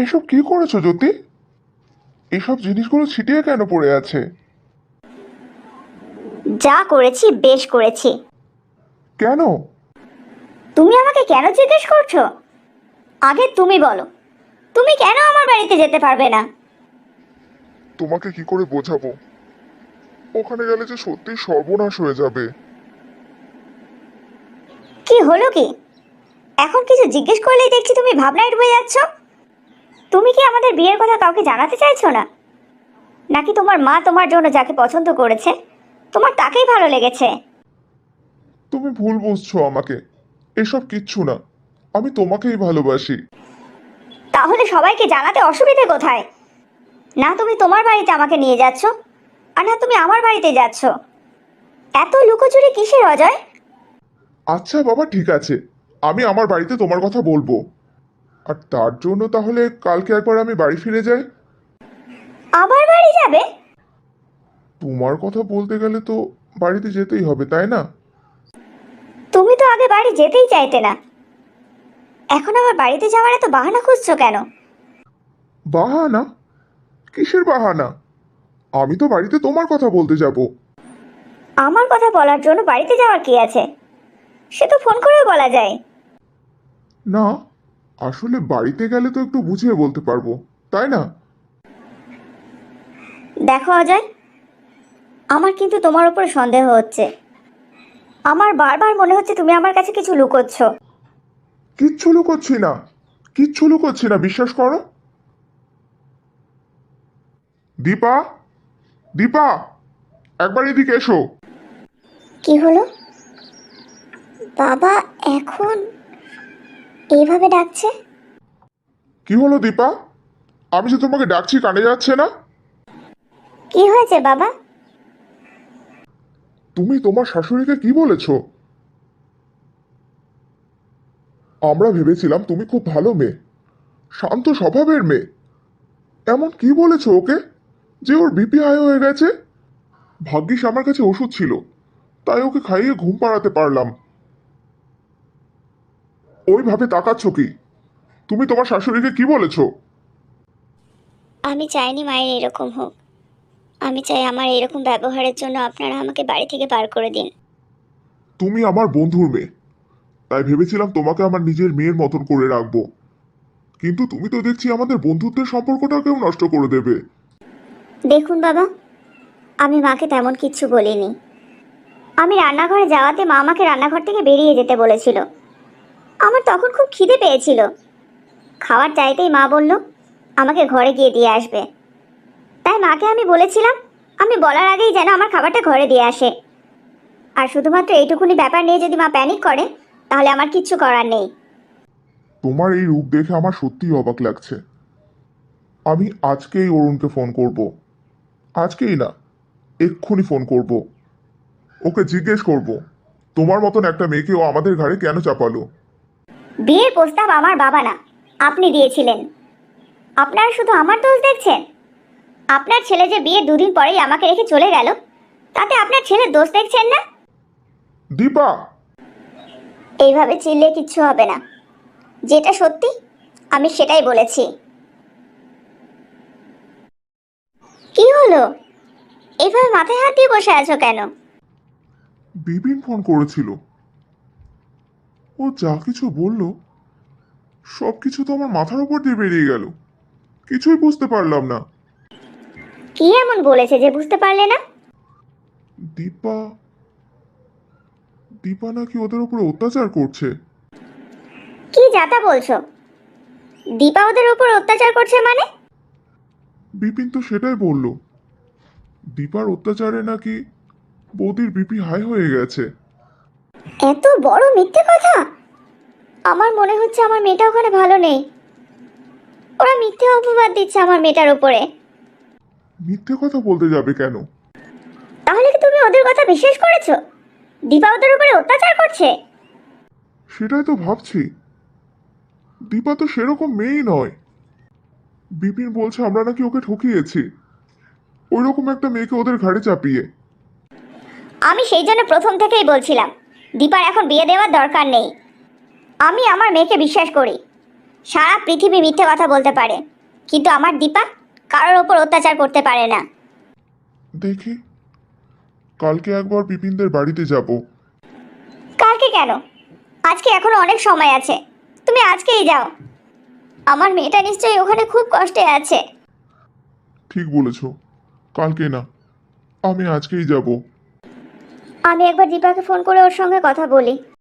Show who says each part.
Speaker 1: এসব কি করেছো জ্যোতি? এসব জিনিসগুলো ছিটিয়ে কেন পড়ে আছে?
Speaker 2: যা করেছি বেশ করেছি।
Speaker 1: কেন?
Speaker 2: তুমি আমাকে কেন জিজ্ঞেস করছো? আগে তুমি বলো, তুমি কেন আমার বাড়িতে যেতে পারবে না?
Speaker 1: তোমাকে কি করে বোঝাবো? ওখানে গেলে যে সত্যি সর্বনাশ হয়ে যাবে।
Speaker 2: কি হলো কি? এখন কিছু জিজ্ঞেস করলেই দেখছি তুমি ভাবনায় ডুবে যাচ্ছ। তুমি কি আমাদের বিয়ের কথা কাউকে জানাতে চাইছো না? নাকি তোমার মা তোমার জন্য যাকে পছন্দ করেছে তোমার তাকেই ভালো লেগেছে?
Speaker 1: তুমি ভুল বুঝছো আমাকে। এসব কিচ্ছু না। আমি তোমাকেই ভালোবাসি।
Speaker 2: তাহলে সবাইকে জানাতে অসুবিধে কোথায়? না তুমি তোমার বাড়িতে আমাকে নিয়ে যাচ্ছ, আর না তুমি আমার বাড়িতে যাচ্ছ। এত লুকোচুরি কিসের অজয়?
Speaker 1: আচ্ছা বাবা, ঠিক আছে। আমি আমার বাড়িতে তোমার কথা বলবো। আর তার জন্য তাহলে কালকে একবার আমি বাড়ি ফিরে যাই।
Speaker 2: আবার বাড়ি যাবে?
Speaker 1: তোমার কথা বলতে গেলে তো বাড়িতে যেতেই হবে, তাই না?
Speaker 2: তুমি তো আগে বাড়ি যেতেই চাইতে না, এখন আবার বাড়িতে যাওয়ার এত বাহানা খুঁজছো কেন?
Speaker 1: বাহানা? কিসের বাহানা? আমি তো বাড়িতে তোমার কথা বলতে যাব।
Speaker 2: আমার কথা বলার জন্য বাড়িতে যাওয়ার কি আছে? সে তো ফোন করেও বলা যায়।
Speaker 1: না, আসলে বাড়িতে গেলে তো একটু বুঝিয়ে বলতে পারবো, তাই না?
Speaker 2: দেখো অজয়, আমার কিন্তু তোমার উপর সন্দেহ হচ্ছে। আমার বারবার মনে হচ্ছে তুমি আমার কাছে কিছু লুকোচ্ছ।
Speaker 1: কিচ্ছু লুকোচ্ছি না। কিচ্ছু লুকোচ্ছি না, বিশ্বাস করো। দীপা, দীপা, একবার এদিকে এসো।
Speaker 2: কি হলো? বাবা এখন এইভাবে ডাকছে?
Speaker 1: কি হলো দীপা? আমি যে তোমাকে ডাকছি কানে যাচ্ছে না?
Speaker 2: কি হয়েছে বাবা?
Speaker 1: তুমি তোমার শাশুড়িকে কি বলেছো? আমরা ভেবেছিলাম তুমি খুব ভালো মেয়ে, শান্ত স্বভাবের মেয়ে। এমন কি বলেছো ওকে যে ওর বিপি হাই হয়ে গেছে? ভাগ্যিস আমার কাছে ওষুধ ছিল, তাই ওকে খাইয়ে ঘুম পাড়াতে পারলাম। ওইভাবে তাকাচ্ছ কি? তুমি তোমার শাশুড়িকে কি বলেছো?
Speaker 2: আমি চাইনি মায়ের এরকম হোক। আমি চাই আমার এরকম ব্যবহারের জন্য আপনারা আমাকে বাড়ি থেকে বার করে দিন।
Speaker 1: তুমি আমার বন্ধুর মেয়ে, তাই ভেবেছিলাম তোমাকে আমার নিজের মেয়ের মতন করে রাখবো। কিন্তু তুমি তো দেখছি আমাদের বন্ধুত্বের সম্পর্কটাকেও নষ্ট করে দেবে।
Speaker 2: দেখুন বাবা, আমি মাকে তেমন কিচ্ছু বলিনি। আমি রান্নাঘরে যাওয়াতে মা আমাকে রান্নাঘর থেকে বেরিয়ে যেতে বলেছিল। আমার তখন খুব খিদে পেয়েছিল। খাওয়ার চাইতেই মা বলল আমাকে ঘরে গিয়ে দিয়ে আসবে। তাই মাকে আমি বলেছিলাম আমি বলার আগেই যেন আমার খাবারটা ঘরে দিয়ে আসে। আর শুধুমাত্র এইটুকুনি ব্যাপার নিয়ে যদি মা প্যানিক করে তাহলে আমার কিচ্ছু করার নেই।
Speaker 1: তোমার এই রূপ দেখে আমার সত্যিই অবাক লাগছে। আমি আজকেই অরুণকে ফোন করব। আজকেই না, এক্ষুনি ফোন করব। ওকে জিজ্ঞেস করব তোমার মতন একটা মেয়েকে ও আমাদের ঘাড়ে কেন চাপালো।
Speaker 2: বিয়ের প্রস্তাব আমার বাবা না, আপনি দিয়েছিলেন। আপনারা শুধু আমার দোষ দেখছেন? আপনার ছেলে যে বিয়ের দুদিন পরেই আমাকে রেখে চলে গেল, তাতে আপনার ছেলের দোষ দেখছেন না?
Speaker 1: দীপা!
Speaker 2: এইভাবে চিল্লে কিচ্ছু হবে না। যেটা সত্যি আমি সেটাই বলেছি। কি হলো? এইভাবে মাথায় হাত দিয়ে বসে আছো কেন?
Speaker 1: বিপিন ফোন করেছিল। ও যা কিছু বলল সব কিছু তো আমার মাথার উপর দিয়ে বেরিয়ে গেল। কিছুই বুঝতে পারলাম না।
Speaker 2: কি এমন বলেছে যে বুঝতে পারলে না?
Speaker 1: দীপা, দীপা নাকি ওদের উপরে অত্যাচার করছে।
Speaker 2: কি যাতা বলছো? দীপা ওদের উপর অত্যাচার করছে মানে?
Speaker 1: বিপিন তো সেটাই বলল। দীপার অত্যাচারে নাকি বৌদির বিপি হাই হয়ে গেছে।
Speaker 2: এত বড় মিথ্যে কথা! আমার মনে হচ্ছে আমার মেয়েটা ওখানে ভালো নেই। ওরা মিথ্যে অপবাদ দিচ্ছে আমার মেয়েটার উপরে।
Speaker 1: মিথ্যে কথা বলতে যাবে কেন?
Speaker 2: তাহলে কি তুমি ওদের কথা বিশ্বাস করেছো? দীপা ওদের উপরে অত্যাচার করছে?
Speaker 1: সেটাই তো ভাবছি। দীপা তো সেরকম মেয়েই নয়। বিপিন বলছে আমরা নাকি ওকে ঠকিয়েছি, ওইরকম একটা মেয়েকে ওদের ঘাড়ে চাপিয়ে।
Speaker 2: আমি সেই জন্য প্রথম থেকেই বলছিলাম দীপার এখন বিয়ে দেওয়ার দরকার নেই। আমি আমার মেয়েকে বিশ্বাস করি। সারা পৃথিবী মিথ্যে কথা বলতে পারে, কিন্তু আমার দীপা কারোর ওপর অত্যাচার করতে পারে না।
Speaker 1: দেখি, কালকে একবার বিপিনদের বাড়িতে যাব।
Speaker 2: কালকে কেন? আজকে এখনো অনেক সময় আছে, তুমি আজকেই যাও। আমার মেয়েটা নিশ্চয়ই ওখানে খুব কষ্টে আছে।
Speaker 1: ঠিক বলেছ, কালকে না, আমি আজকেই যাব।
Speaker 2: আমি একবার দীপাকে ফোন করে ওর সঙ্গে কথা বলি।